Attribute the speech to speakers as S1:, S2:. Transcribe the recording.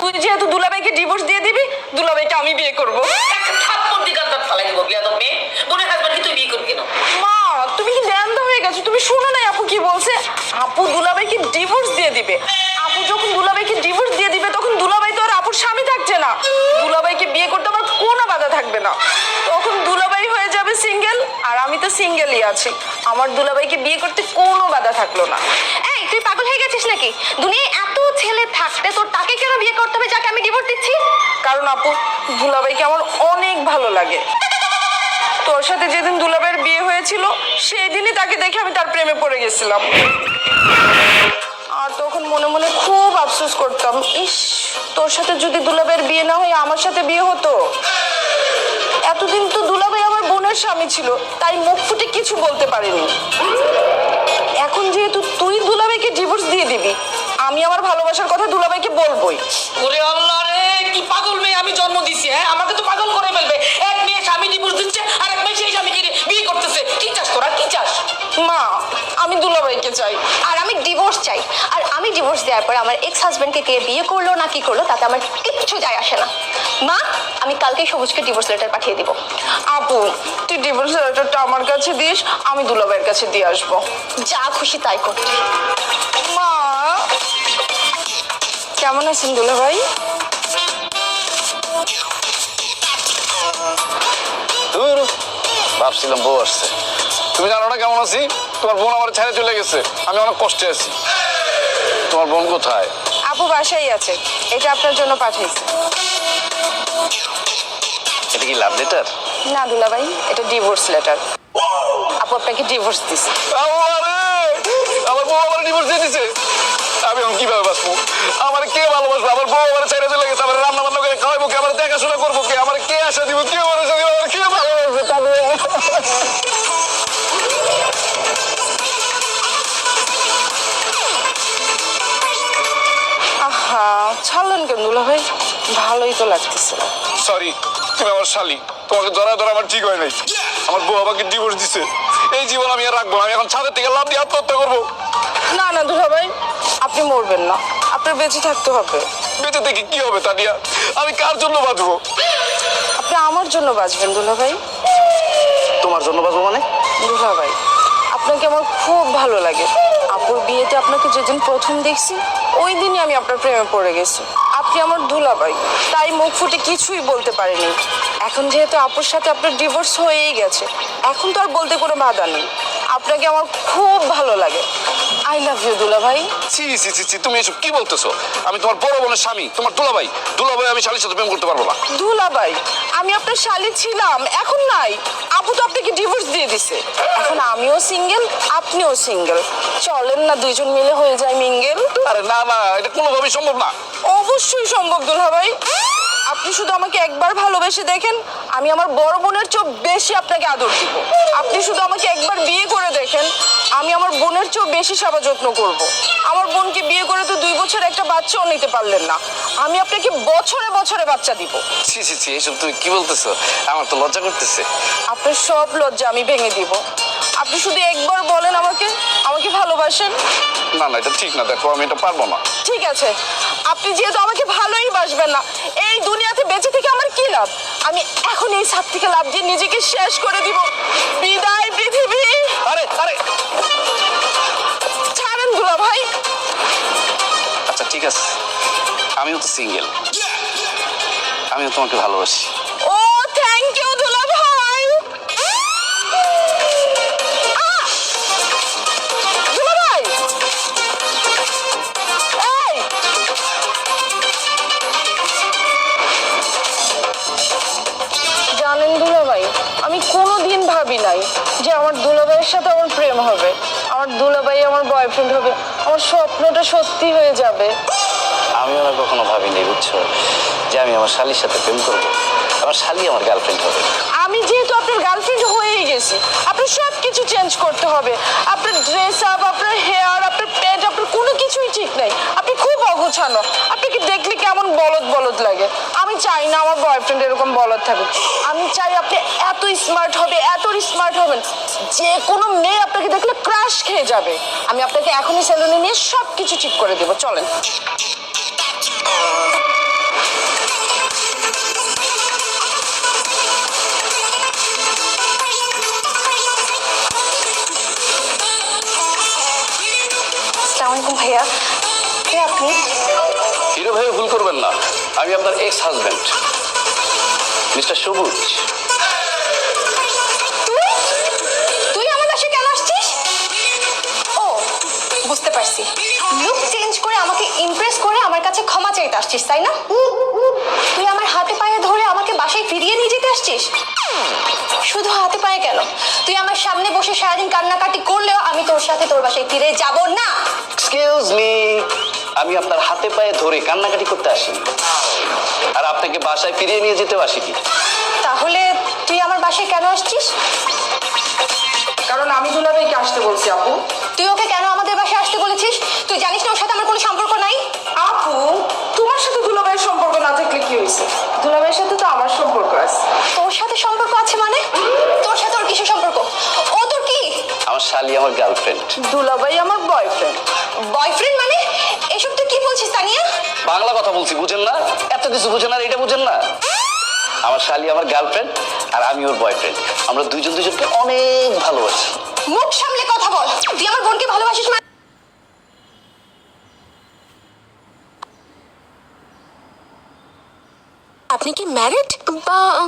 S1: তুই যেহেতু দুলাভাইকে ডিভোর্স দিয়ে দিবি, দুলাভাইকে আমি বিয়ে করব।
S2: একটা থাপ্পড় দিকে দাঁত ফালাই দিব বিয়াদব মেয়ে। বোনের হাজবেন্ডকে তুই বিয়ে করবি কেন?
S1: মা, তুমি কি জ্ঞানদা হয়ে গেছো? তুমি শোনো নাই আপু কি বলছে? আপু দুলাভাইকে ডিভোর্স দিয়ে দিবে। আপু যখন দুলাভাইকে ডিভোর্স দিয়ে দিবে তখন দুলাভাই তো আর আপুর স্বামী থাকছে না। দুলাভাইকে বিয়ে করতে আমার কোনো বাধা থাকবে না। তখন দুলাভাই হয়ে যাবে সিঙ্গেল, আর আমি তো সিঙ্গেলই আছি। আমার দুলাভাইকে বিয়ে করতে কোনো বাধা থাকলো না।
S3: এই তুই পাগল হয়ে গেছিস নাকি? দুনিয়ায় এত ছেলে থাকতে তোর তাকে কেন বিয়ে করতে হবে যাকে আমি ডিভোর্স দিচ্ছি?
S1: কারণ আপু দুলাভাইকে আমার অনেক ভালো লাগে। তোর সাথে যেদিন দুলাভাইয়ের বিয়ে হয়েছিল সেই দিনই তাকে দেখে আমি তার প্রেমে পড়ে গেছিলাম। আর তখন মনে মনে খুব আফসোস করতাম, ইস তোর সাথে যদি দুলাভাইয়ের বিয়ে না হয়ে আমার সাথে বিয়ে হতো। এতদিন তো দুলাভাই আমার বোনের স্বামী ছিল, তাই মুখ ফুটে কিছু বলতে পারিনি। এখন যেহেতু তুই দুলাভাইকে ডিভোর্স দিয়ে দিবি, আমি আমার ভালোবাসার কথা দুলাভাইকে বলবোই।
S2: ওরে আল্লাহ রে, কি পাগল মেয়ে আমি জন্ম দিছি। হ্যাঁ, আমাকে তো পাগল করে ফেলবে। এক মেয়ে স্বামী ডিভোর্স দিচ্ছে আর এক মেয়ে সেই স্বামীকে বিয়ে করতেছে। কি চাস তোরা, কি চাস?
S1: মা, আমি দুলাভাইকে চাই।
S3: আর আমি ডিভোর্স চাই। আর আমি ডিভোর্স দেওয়ার পর আমার এক্স হাজবেন্ডকে কে বিয়ে করলো না কি করলো তাতে আমার কিচ্ছু যায় আসে না। মা, আমি কালকেই সবুজকে ডিভোর্স লেটার পাঠিয়ে দিব।
S1: আপু তুই ডিভোর্স লেটারটা আমার কাছে দিস, আমি দুলাভাইয়ের কাছে দিয়ে আসবো।
S3: যা খুশি তাই কর।
S1: মা, কেমন আছেন দুলাভাই?
S4: ভাবছিলাম বউ আসছে। তুমি জানো না কেমন আছি? তোমার বোন আমার ছেড়ে চলে গেছে, আমি অনেক কষ্টে আছি। তোমার বোন কোথায়?
S1: আপু বাসায় আছে, এটা আপনার জন্য পাঠিয়েছি।
S4: এটা কি লাভ লেটার?
S1: না দুলাভাই, এটা ডিভোর্স লেটার। আপু আপনাকে ডিভোর্স দিছে।
S4: আমার বউ আমার ডিভোর্স দিয়ে দিছে। আমি এখন কিভাবে বাঁচবো? আমার কে ভালোবাসবো? আমার বউ আমার ছেড়ে চলে গেছে। আমার রান্না বান্না করে খাওয়াবো কে? আমার দেখাশোনা করবো কে? আমার কে আশা দিব? কে ভরসা দিব? আমার কে ভালোবাসবে?
S1: আহা, ছাড়লেন কেন দুলাভাই? ভালোই তো লাগতেছে।
S4: সরি, তুমি আমার শালি। তোমাকে ধরা ধরা আমার ঠিক হয় নাই। আমার বউ আমাকে ডিভোর্স দিছে। এই জীবন আমি আর রাখবো না। আমি এখন ছাদের থেকে লাফ দিয়ে আত্মহত্যা করবো।
S1: না না দুলাভাই, আপনি মরবেন না, আপনার বেঁচে থাকতে হবে।
S4: বেঁচে থেকে কি হবে তানিয়া? আমি কার জন্য বাঁচবো?
S1: আপনি আমার জন্য বাঁচবেন দুলাভাই।
S4: তোমার জন্য বাঁচবো মানে?
S1: দুলাভাই, আপনাকে আমার খুব ভালো লাগে। আপুর বিয়েতে আপনাকে যেদিন প্রথম দেখছি ওই দিনই আমি আপনার প্রেমে পড়ে গেছি। আপনি আমার দুলাভাই, তাই মুখ ফুটে কিছুই বলতে পারিনি। এখন যেহেতু আপুর সাথে আপনার ডিভোর্স হয়েই গেছে, এখন তো আর বলতে কোনো বাধা নেই। আপনাকে আমার খুব ভালো লাগে। আই লাভ ইউ দুলাভাই।
S4: ছি ছি ছি ছি, তুমি এসব কি বলতেছো? আমি তোমার বড় বোনের স্বামী, তোমার দুলাভাই। দুলাভাই আমি শালীর সাথে প্রেম করতে পারবো না।
S1: দুলাভাই, আমি আপনার শালী ছিলাম, এখন নাই। আপু তো আপনাকে ডিভোর্স দিয়ে দিছে। এখন আমিও সিঙ্গেল, আপনিও সিঙ্গেল। চলেন না দুইজন মিলে হয়ে যায় মিঙ্গেল।
S4: আরে না না, এটা কোনোভাবেই সম্ভব না।
S1: অবশ্যই সম্ভব দুলাভাই। আপনি শুধু আমাকে একবার ভালোবেসে দেখেন, আমি আমার বড় বোনের চেয়েও বেশি আপনাকে আদর দিব। আপনি শুধু আমাকে একবার বিয়ে করে দেখেন, আমি আমার বোনের চেয়েও বেশি সেবা যত্ন করব। আমার বোনকে বিয়ে করে তো 2 বছর একটা বাচ্চাও নিতে পারলেন না, আমি আপনাকে বছরে বছরে বাচ্চা দিব।
S4: ছি ছি ছি, এসব তুমি কি বলতেছো? আমার তো লজ্জা করতেছে।
S1: আপনার সব লজ্জা আমি ভেঙে দিব। আপনি শুধু একবার বলেন আমাকে, আমাকে ভালোবাসেন।
S4: না না, এটা ঠিক না। দেখো, আমি এটা পারবো না।
S1: ঠিক আছে, আপনি যেহেতু আমাকে ভালোই বাসবেন না, এই দুনিয়াতে বেঁচে থেকে আমার কি লাভ? আমি এখন এই ছাদ থেকে লাফ দিয়ে নিজেকে শেষ করে দিব। বিদায় পৃথিবী।
S4: আরে আরে,
S1: ছাড়েন দুলাভাই।
S4: আচ্ছা ঠিক আছে, আমিও তো সিঙ্গেল, আমিও তোমাকে ভালোবাসি।
S1: ও থ্যাংক ইউ দুলাভাই। দুলাভাই, এই জানেন দুলাভাই, আমি কোনোদিন ভাবি নাই যে আমার দুলাভাইয়ের সাথে আমার প্রেম হবে, আমার দুলাভাই আমার বয়ফ্রেন্ড হবে, আমার স্বপ্নটা সত্যি হয়ে যাবে।
S4: আমিও না কখনো ভাবিনি, বুঝছো, যে আমি আমার শালীর সাথে প্রেম করবো, আমার শালী আমার গার্লফ্রেন্ড হবে।
S1: আমি যেহেতু আপনার গার্লফ্রেন্ড হয়েই গেছি, আপনার সব কিছু চেঞ্জ করতে হবে। আপনার ড্রেস আপ, আপনার হেয়ার, আপনার পেট, আপনার কোনো কিছুই ঠিক নাই। আপনি খুব অগোছানো, আপনাকে দেখলে কেমন বলদ বলদ লাগে। আমি চাই না আমার বয়ফ্রেন্ড এরকম বলদ থাকুক। আমি চাই আপনি এত স্মার্ট হবে, এত স্মার্ট হবেন, যে কোনো মেয়ে আপনাকে দেখলে ক্রাশ খেয়ে যাবে। আমি আপনাকে এখনই সেলুনে নিয়ে সব কিছু ঠিক করে দেবো, চলেন।
S3: ভাইয়া, কে আপনি?
S4: হিরো ভাই ভুল করবেন না, আমি আপনার এক্স হাজবেন্ড মিস্টার সবুজ।
S3: তুই আমার বাসায় কেন আসছিস? ও, বুঝতে পারছি, লুক চেঞ্জ করে আমাকে ইমপ্রেস করে আমার কাছে ক্ষমা চাইতে আসছিস, তাই না? তুই আমার হাতে পায়ে ধরে আমাকে বাসায় ফিরিয়ে নিয়ে যেতে আসছিস। শুধু হাতে পায়ে কেন, তুই আমার সামনে বসে সারাদিন কান্নাকাটি করলেও আমি তোর সাথে তোর বাসায় ফিরে যাব না।
S4: এক্সকিউজ মি, আমি আপনার হাতে পায়ে ধরে কান্নাকাটি করতে আসিনি, আর আপনাকে বাসায় ফিরিয়ে নিয়ে যেতেও আসিনি।
S3: তাহলে তুই আমার বাসায় কেন আসছিস?
S1: কারণ আমি দুলাভাইকে আসতে বলছি আপু।
S3: তুই ওকে কেন আমাদের বাসায় আসতে বলেছিস? তুই জানিস না ওর সাথে আমার কোনো সম্পর্ক নাই?
S1: আপু, তোমার সাথে দুলাভাইয়ের সম্পর্ক না থাকলে কি হয়েছে? দুলাভাইয়ের সাথে তো আমার সম্পর্ক আছে।
S3: তোর সাথে সম্পর্ক আছে মানে? তোর সাথে ওর কিসের সম্পর্ক? ও তোর কি
S4: আমার শালি আমার গার্লফ্রেন্ড।
S1: দুলাভাই আমার বয়ফ্রেন্ড।
S3: বয়ফ্রেন্ড মানে? এসব তুই কি বলছিস তানিয়া?
S4: বাংলা কথা বলছি, বুঝেন না? এত কিছু বুঝেন আর এটা বুঝেন না? আমার শালি আমার গার্লফ্রেন্ড আর আমি ওর বয়ফ্রেন্ড। আমরা দুইজন দুজনকে অনেক ভালোবাসি।
S3: মুখ সামলে কথা বল। তুই আমার বোনকে ভালোবাসিস মানে?
S5: আপনি কি ম্যারিড বা